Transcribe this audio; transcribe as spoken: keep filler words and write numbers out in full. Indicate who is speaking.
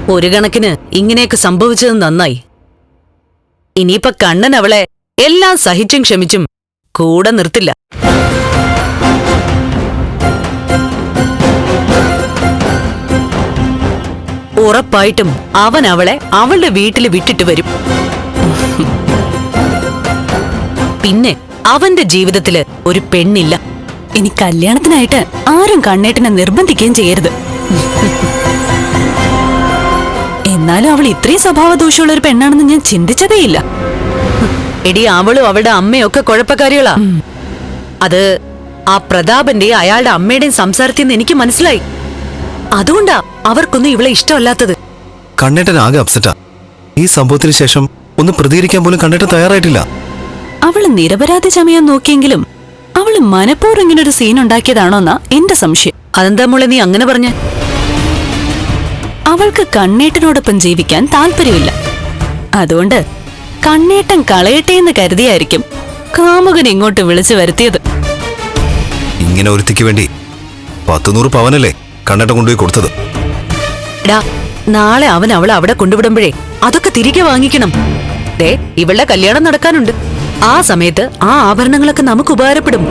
Speaker 1: ഒരു കണക്കിന് ഇങ്ങനെയൊക്കെ സംഭവിച്ചത് നന്നായി. ഇനിയിപ്പൊ കണ്ണൻ അവളെ എല്ലാം സഹിച്ചും ക്ഷമിച്ചും കൂടെ നിർത്തില്ല. ഉറപ്പായിട്ടും അവൻ അവളെ അവളുടെ വീട്ടിൽ വിട്ടിട്ട് വരും. പിന്നെ അവന്റെ ജീവിതത്തില് ഒരു പെണ്ണില്ല.
Speaker 2: ഇനി കല്യാണത്തിനായിട്ട് ആരും കണ്ണേട്ടനെ നിർബന്ധിക്കുകയും ചെയ്യരുത്. എന്നാലും അവൾ ഇത്രയും സ്വഭാവദോഷമുള്ള ഒരു പെണ്ണാണെന്ന് ഞാൻ ചിന്തിച്ചതേയില്ല.
Speaker 1: എടി, അവളും അവളുടെ അമ്മയും ഒക്കെ കുഴപ്പക്കാരികളാ. അത് ആ പ്രതാപന്റെയും അയാളുടെ അമ്മയുടെയും സംസാരത്തിൽ നിന്ന് എനിക്ക് മനസ്സിലായി. അതുകൊണ്ടാ അവർക്കൊന്നും ഇവളെ ഇഷ്ടമല്ലാത്തത്.
Speaker 3: കണ്ണേട്ടൻ ആകെ അപ്സെറ്റാ. ഈ സംഭവത്തിന് ശേഷം ഒന്ന് പ്രതികരിക്കാൻ പോലും കണ്ണേട്ടൻ തയ്യാറായിട്ടില്ല.
Speaker 2: അവള് നിരപരാധി ചമയാൻ നോക്കിയെങ്കിലും അവള് മനഃപൂർവ്വം ഇങ്ങനൊരു സീൻ ഉണ്ടാക്കിയതാണോന്നാ എന്റെ സംശയം.
Speaker 1: അതെന്താ മോളെ നീ അങ്ങനെ പറഞ്ഞ?
Speaker 2: അവൾക്ക് കണ്ണേട്ടനോടൊപ്പം ജീവിക്കാൻ താല്പര്യമില്ല. അതുകൊണ്ട് കണ്ണേട്ടൻ കളയട്ടെ എന്ന് കരുതിയായിരിക്കും കാമുകൻ ഇങ്ങോട്ട് വിളിച്ചു വരുത്തിയത്.
Speaker 3: ഇങ്ങനെ ഒരുത്തിക്ക് വേണ്ടി പത്തുനൂറ് പവനല്ലേ കണ്ണേട്ടൻ കൊണ്ടുപോയി കൊടുത്തത്.
Speaker 1: എടാ, നാളെ അവൻ അവളെ അവിടെ കൊണ്ടുവിടുമ്പോഴേ അതൊക്കെ തിരികെ വാങ്ങിക്കണം. ദേ, ഇവളുടെ കല്യാണം നടക്കാനുണ്ട്. ആ സമയത്ത് ആ ആഭരണങ്ങളൊക്കെ നമുക്ക് ഉപകാരപ്പെടും.